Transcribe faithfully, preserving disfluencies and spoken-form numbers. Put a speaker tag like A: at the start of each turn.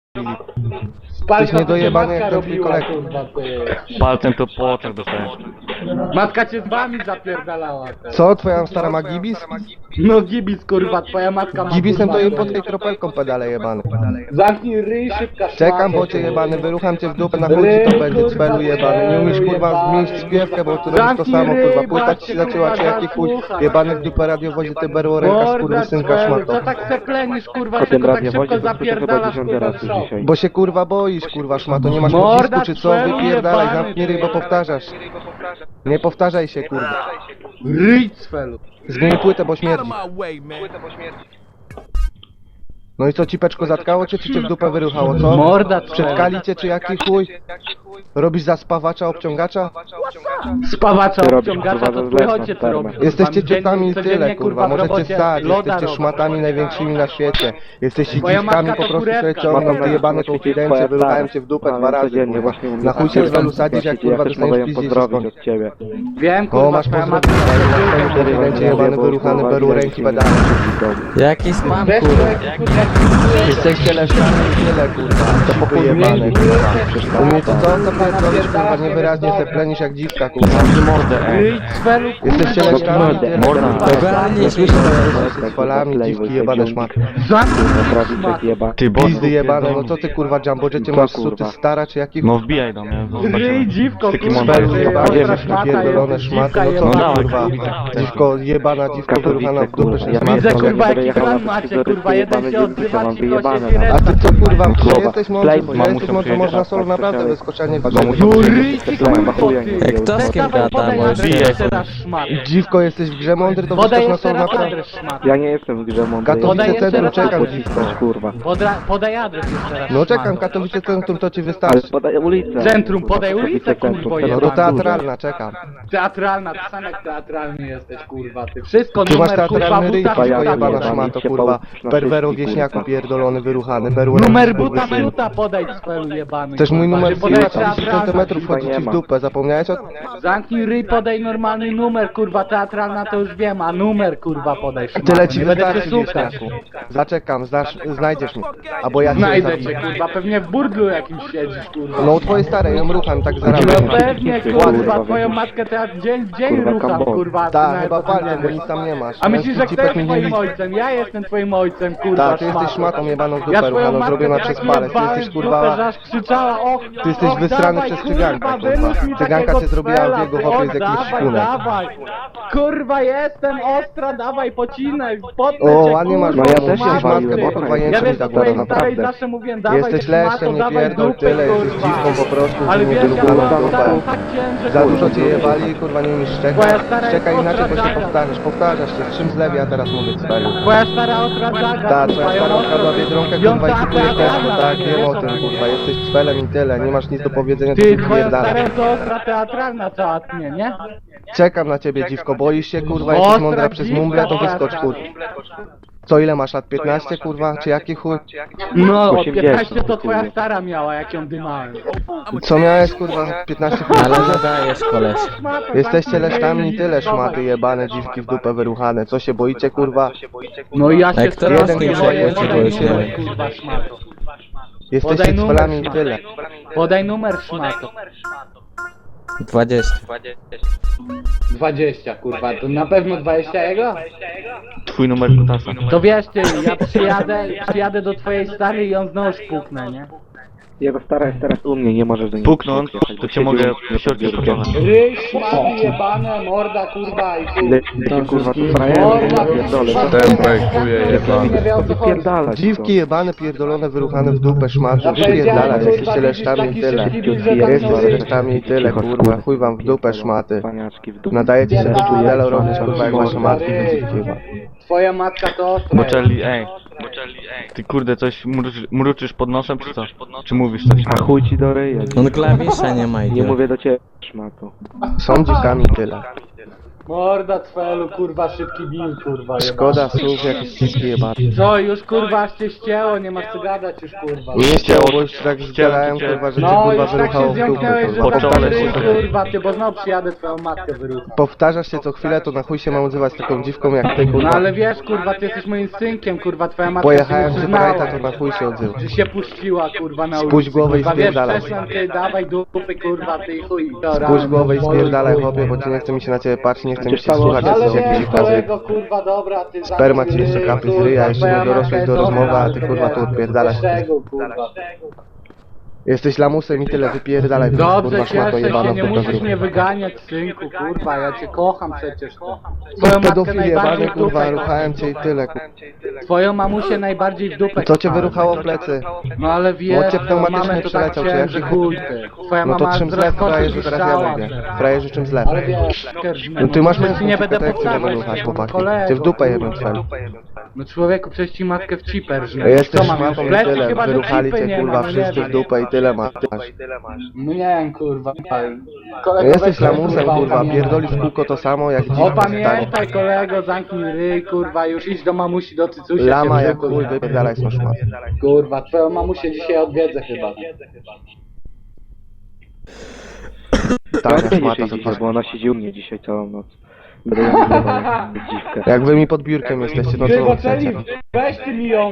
A: Tyś niedojebany jak ten twój kolega.
B: Palcem to po oczach dostajesz.
A: Matka cię z wami zapierdalała. Teraz.
C: Co? Twoja stara ma gibis?
A: No gibis kurwa, twoja matka ma
C: Gibisem
A: kurwa,
C: to jej
A: no
C: pod
A: nie.
C: tej kropelką pedale jebany.
A: Zamknij ryj, szybka
C: Czekam,
A: szmato,
C: bo cię
A: kurwa.
C: jebany, wyrucham cię w dupę, na chuj ci to będzie, cwelu jebany. Nie umiesz kurwa zmienić śpiewkę, bo tu robisz to samo kurwa. Płyta ci się zaczęła, czy jaki chuj jebany w dupę radiowozie, ty berło ręka z kurwy synka
A: Cwelu,
C: szmato.
A: co tak se plenisz kurwa,
D: Po tym
A: tylko tak
D: radiowozie
A: szybko
D: to słyszę chyba
A: zapierdalasz
D: dziesiąty
A: kurwa
D: raz
A: w
D: już
A: szok.
D: dzisiaj.
C: Bo się kurwa boisz kurwa szmato, nie masz
A: Morda
C: pocisku czy co?
A: twelu
C: Wypierdalaj,
A: jebany,
C: zamknij ryj,
A: ty.
C: bo powtarzasz. Nie powtarzaj się kurwa.
A: Ryj cwelu.
C: Zmień płytę, bo śmierdzi. No i co, cipeczko zatkało cię, czy cię w dupę wyruchało, co?
A: Morda
C: Przedkali cię, czy jaki chuj? Robisz zaspawacza, obciągacza?
A: Spawacza,
D: Ty robisz,
A: obciągacza,
D: kurwa,
A: to
D: ze zlecą,
A: wychodźcie co
D: spermę.
A: robisz.
C: Jesteście
A: Dziennie-
C: ciotami i
A: codziennie,
C: tyle, kurwa,
A: w
C: możecie
A: robocie
C: stać,
A: loda
C: jesteście
A: robisz.
C: szmatami największymi na świecie. Jesteście
A: Twoja
C: dziwkami,
A: matka
C: po
A: to
C: prostu
A: kurewka,
C: sobie ciągną,
A: no.
C: ty jebane konfidencje, wyruchałem cię w dupę dwa razy,
D: codziennie
C: kurwa.
D: właśnie mówię.
C: Na chuj cię z welu sadzić, jak kurwa
D: Ja też mogę
C: dostaniesz
D: ją
C: pizdzie się
D: pozdrowić
C: skończy.
D: od ciebie.
A: Wiem
C: O,
A: kurwa,
C: masz
A: twoja
C: pozdrowić,
A: matka
C: ale masz swoim konfidencie jebany, wyruchany, beru ręki pedale.
E: Jaki spam,
A: Wiesz,
E: kurwa?
C: Jesteście leszczami i tyle, kurwa, to jebane, kurwa. Umiecie co? To pierdolisz, kurwa, niewyraźnie se plenisz jak dziwka, kurwa.
B: Mordę, ej.
A: Ryj cwelu kurwa.
C: Jesteście leszczami i tyle,
B: Morda.
C: kurwa. Nie słyszę, że jesteście
D: Tak,
C: z falami, dziwki jebane szmaty.
D: Prawiczek jeba.
B: Ty bo...
C: Pizdy jebane, no co ty kurwa Jumbo, że cię
D: Co,
C: masz
D: kurwa?
C: suty stara, czy jaki
B: No wbijaj do mnie.
A: Ryj dziwko
B: Taki
A: kurwa.
B: mądry.
A: ty,
C: jebane,
A: ostra
C: wiesz,
A: szmata
C: pierdolone
A: jest,
C: szmaty,
A: dziwka
C: no
A: jest,
C: co
B: No
C: ty
B: dawaj,
C: kurwa,
B: kurwa.
C: dziwko jebana, dziwko wyruchana w dupę, że
A: Ja
C: szmaty.
A: widzę kurwa
D: będę
A: jaki
D: jechał
A: plan
D: na
A: macie
D: scyzoryk,
A: kurwa, jeden
D: jebany
A: się
D: dziewki,
A: odzywa,
D: mam
A: ci
D: wyjebane
A: siedzi
D: nawet.
C: A ty co kurwa,
D: Kurwa.
C: ty jesteś mądry, bo ja
D: Mamusią
C: jesteś mądry,
B: przyjedzie,
C: można solo
D: tak,
C: naprawdę
D: tak,
C: wyskoczenie
D: tak,
C: patrzeć.
D: tak,
A: Ryj ty kurwa
D: chuja
A: ty.
D: nie
E: Jak to z kim
A: Dawaj,
E: gada,
A: podaj
E: możesz
A: adres
B: bijać.
A: jeszcze raz szmat.
C: Dziwko jesteś w grze mądry, to
A: Podaj
C: wyskocz na
A: jeszcze
C: solo
A: raz
C: naprawdę.
A: adres szmat.
D: Ja nie jestem w grze mądry.
C: Katowice
A: Podaj jeszcze
C: Centrum,
A: raz
C: czekam
A: adres.
C: dziwko.
D: Kurwa.
A: Podra, podaj adres jeszcze raz
C: No czekam,
A: szmato.
C: Katowice Centrum to ci
D: Ale
C: wystarczy.
D: podaj ulicę.
A: Centrum, podaj
D: Kurwa,
A: ulicę,
D: Katowice
A: kurwo,
D: Centrum,
C: No
A: jebana.
C: to teatralna, czekam.
A: Teatralna, ty sam jak teatralny jesteś kurwa ty. Wszystko
C: Ty masz
A: numer kurwa
C: teatralny ryj,
A: buta
C: dziwko
D: ja
A: wrzuta
C: jebana
A: podaj.
C: szmato,
D: się
C: kurwa.
D: połóż na
C: Perwero
D: wszystkich,
C: wieśniaku
D: kurwa.
C: pierdolony, wyruchany, beru
A: Numer
C: ręki,
A: buta
C: kurwa,
A: wrzuta podaj cwelu jebany.
C: Też mój
A: kurwa.
C: numer
A: Czy podaj
C: trzydzieści
A: teatralna,
C: centymetrów
A: kurwa,
C: wchodzi
D: nie
C: ci w
D: ma.
C: dupę, zapomniałeś o tym?
A: Zamknij ryj, podaj normalny numer, kurwa, teatralna to już wiem, a numer, kurwa, podaj.
C: Tyle ci
A: Nie będę cię
C: wystarczy,
A: słuchać.
C: wieśniaku. Zaczekam, znasz, znajdziesz mnie. Albo ja cię
A: Znajdę cię,
C: zabiję.
A: kurwa, pewnie w burdlu jakimś siedzisz, kurwa.
C: No u twojej starej, ją rucham, tak
A: No
C: zarabiam.
A: pewnie, kurwa, twoją matkę to ja dzień w dzień
D: Kurwa,
A: rucham,
D: kambon.
A: kurwa. ty
C: Tak,
A: nawet
C: chyba
A: o tym nie
C: palcem, bo
A: wiesz.
C: nic tam nie masz.
A: A myślisz, że
C: Męski
A: kto jest
C: cipek mi nie
A: twoim
C: widzi.
A: ojcem? Ja jestem twoim ojcem, kurwa,
C: Tak, ty jesteś
A: szmato.
C: szmatą jebaną w
A: Ja
C: dupę
A: twoją
C: ruchaną,
A: matkę
C: zrobiona
A: tak
C: przez palec. Ty
A: jebałem
C: jesteś
A: w dupę, że
C: kurwa...
A: aż krzyczała, och,
C: Ty jesteś
A: och,
C: wysrany
A: dawaj,
C: przez cyganka,
A: kurwa,
C: kurwa.
A: wyrzuć mi
C: Cyganka
A: takiego
C: cię zrobiła w
A: cwela,
C: jego
A: ty,
C: chłopie
A: och,
C: z jakimś
A: dawaj,
C: szpunem.
A: dawaj. Kurwa, jestem ostra, dawaj, pocinaj, potnę
C: O,
A: cię,
C: ładnie masz,
A: kurwa,
D: no ja też
A: szmato,
D: się waliłem,
A: ty.
D: bo kurwa
A: Ja
C: jęczy mi
A: wiesz,
C: tak
A: twojej
C: ładnie,
A: starej
D: naprawdę.
A: zawsze mówiłem, dawaj,
C: Jesteś
A: ty, szmato,
C: leszczem, nie
A: dawaj
C: pierdol
A: dupę,
C: tyle, jesteś
A: kurwa.
C: dziwką po prostu,
A: Ale
C: nie
A: wiesz, ja
C: wyruchaną
A: byłam
C: w
A: stara,
C: dupę.
A: tak ciężko,
C: Za dużo
A: kurwa.
C: cię jebali, kurwa, nie umiesz
A: Twoja
C: szczekać.
A: stara
C: Szczekaj
A: jest
C: inaczej, bo się
A: ostra
C: powtarzasz, powtarzasz się. Z czym zlew ja teraz mówię cwelu?
A: Twoja stara ostra dżaga,
C: Ta,
A: kurwa,
C: twoja
A: ją
C: stara
A: ostro-
C: okradła Biedronkę,
A: ją
C: kurwa, i
A: ta-
C: kupuje
A: ta-
C: teatr,
A: ta-
C: tak,
A: ta-
C: wiem o
A: ta-
C: tym, kurwa, jesteś cwelem i tyle, nie masz nic do powiedzenia, to
A: Ty,
C: się
A: twoja
C: pierdala.
A: stara to ostra teatralna cała tnie, nie?
C: Czekam na ciebie, dziwko, boisz się, kurwa, jesteś
A: Ostra
C: mądra przez
A: dziwka,
C: mumble, to
A: ostra.
C: wyskocz, kurwa. Co, ile masz lat? piętnaście, kurwa, czy jaki chuj?
A: No, od
D: osiemdziesiąt,
A: piętnaście to twoja
D: kurwa.
A: stara miała, jak ją dymałem.
C: Co miałeś, kurwa, piętnaście,
E: Ale
C: kurwa?
E: zadajesz, koleś.
C: Jesteście leszczami i tyle, szmaty jebane, dziwki w dupę wyruchane. Co się boicie, kurwa?
A: No i ja się
E: Jak to
A: strasznie
C: jeden
A: boję,
C: grzech,
A: podaj
C: boicie,
A: numer,
C: boicie.
A: kurwa, szmato.
C: Jesteście
A: Podaj numer,
C: cwelami i
A: szmato.
C: tyle.
A: Podaj numer, szmato.
E: dwadzieścia.
A: dwadzieścia, kurwa, to na pewno dwadzieścia jego?
B: Twój numer kutasa.
A: To wiesz ty, ja przyjadę, przyjadę do twojej starej i ją znowu spuknę, nie?
D: Jego stara jest teraz u mnie, nie możesz do niej
B: Puknąć,
D: podjechać,
B: to
D: bo
B: cię
D: siedzi
B: mogę
D: u mnie pod
B: siorczyć
D: biurkiem.
B: trochę.
A: Ryj, szmaty jebane, morda, kurwa i kurwa.
D: Le- Ty kurwa tu frajerze,
A: Morda,
D: ja pierdolę.
A: kurwa,
D: co ty-
A: ten projektuje jebany. Nie wie o co chodzi.
D: Wypierdalać
C: Dziwki jebane, pierdolone, wyruchane w dupę, szmaty,
A: Ja powiedziałem,
C: pierdalać,
A: kurwa,
C: jesteście
A: widzisz,
C: leszczami
A: taki
C: i tyle.
A: szybki bil, że tam
C: Jesteście
A: nowy-
C: leszczami i tyle,
D: Cicho,
C: kurwa, chuj wam w dupę, szmaty.
D: Paniaczki w dupę.
C: Nadajecie się do
A: Pierdalaj,
C: burdelu robić,
A: szmaty,
C: kurwa, jak wasze
A: morda,
C: matki
A: ryj.
C: będziecie chyba.
A: Twoja matka to ostra.
B: Boczeli, ej. Ty kurde, coś mruczysz, mruczysz pod nosem, czy co? Czy mówisz coś?
D: A chuj ci do ryja.
E: On klawisza nie ma,
D: Nie
E: idiot.
D: mówię do ciebie, szmato.
C: Są dziwkami i tyle.
A: Morda cfelu, kurwa, szybki bin, kurwa, jebany.
C: Szkoda słów, jakieś wszystkie jebane.
A: Co, już kurwa aż cię ścięło, nie masz co gadać już, kurwa.
C: Nie chciało, bo już tak zdzielałem, kurwa, że cię
A: No,
C: kurwa
A: już tak
C: wyruchało
A: się
C: w dupę,
A: zjąknęłeś, że
C: kurwa.
A: za
B: Początek
A: ryj,
B: się to-
A: kurwa, ty, bo znowu przyjadę twoją matkę wyrucham.
C: Powtarzasz się co chwilę, to na chuj się mam odzywać z taką dziwką jak ty,
A: No
C: kurwa.
A: ale wiesz, kurwa, ty jesteś moim synkiem, kurwa, twoja matka
C: Pojechałem
A: się
C: z
A: nie przyznała.
C: Brighta, to na chuj się odzywa.
A: Że się puściła, kurwa, na ulicy.
C: Spuść głowę i
A: kurwa, wiesz,
C: spierdalaj.
A: przeszłam ty, dawaj dupy, kurwa, ty i chuj.
C: Spuść głowę i spierdalaj, chłopie, bo ci nie chce mi się na ciebie patrzeć, nie chce mi się słuchać,
A: Ale
C: jak
A: wiesz,
C: jakiś kazy.
A: kolego, kurwa, dobra, ty zamknij
C: Sperma ci jeszcze
A: ryj,
C: kapie z
A: kurwa,
C: ryja, jeszcze
A: twoja
C: nie dorosłeś
A: matka
C: do
A: jest
C: rozmowy, a ty,
A: dobra,
C: kurwa, tu
A: wiesz,
C: odpierdalasz.
A: bez tego, kurwa.
C: Jesteś lamusem i tyle, wypierdalaj,
A: Dobrze,
C: kurwa, szmato
A: cieszę
C: jebana
A: się, nie
C: po
A: musisz
C: prostu.
A: mnie wyganiać, synku, kurwa, ja cię kocham przecież. Twoją matkę
C: Pedofil
A: najbardziej
C: jebany,
A: w
C: kurwa,
A: dupę.
C: ruchałem cię i tyle, kurwa.
A: Twoją mamusię najbardziej w dupę.
C: Co cię
A: kochałem.
C: wyruchało w plecy?
A: No ale wiesz,
C: Bo cię pneumatycznie
A: mamę to tak
C: przeleciał, czy
A: chciałem, że
C: jaki-
A: chuj ty. Twoja
C: No to
A: mama
C: czym
A: z
C: zlew,
A: rozkoszy
C: frajerzy, teraz ja
A: piszczała,
C: mówię.
A: ty.
C: Frajerzy, czym zlew?
A: Ale wiesz,
C: No ty masz
A: no,
C: męską
A: ci nie będę
C: jak chcesz
A: powtarzać,
C: ruchać, chłopaki.
A: kolego,
C: Cię w dupę
A: kurwa.
C: jebę twel.
A: No człowieku, przecież ci matkę w ciper żnę.
C: Jesteś
A: Co mam,
C: szmatą
A: w
C: i
A: plecy
C: tyle,
A: chyba, że
C: wyruchali
A: cipy
C: cię,
A: nie
C: kurwa,
A: ma, no nie
C: wszyscy w
A: wiem.
C: dupę i tyle masz.
A: No nie wiem, kurwa.
C: No
A: Kolego,
C: jesteś
A: weź,
C: lamusem, kurwa,
A: opamiętaj.
C: pierdolisz w kółko to samo jak dziś stary.
A: Opamiętaj, kolego, zamknij ryj, kurwa, już idź do mamusi, do cycusia.
C: Lama
A: się
C: jak
A: wrzukuj.
C: chuj, wypierdalaj z szmat.
A: Kurwa, twoją mamusię dzisiaj odwiedzę chyba.
C: Tania
D: Ja nie
C: szmata,
D: dzisiaj
C: to
D: dzisiaj,
C: to.
D: bo ona siedzi u mnie dzisiaj całą noc. Będę ją zdawał, dziwkę.
C: Jak wy mi pod biurkiem jesteście, no
A: Ty,
C: co
A: bo
C: wy chcecie?
A: weź ty mi ją,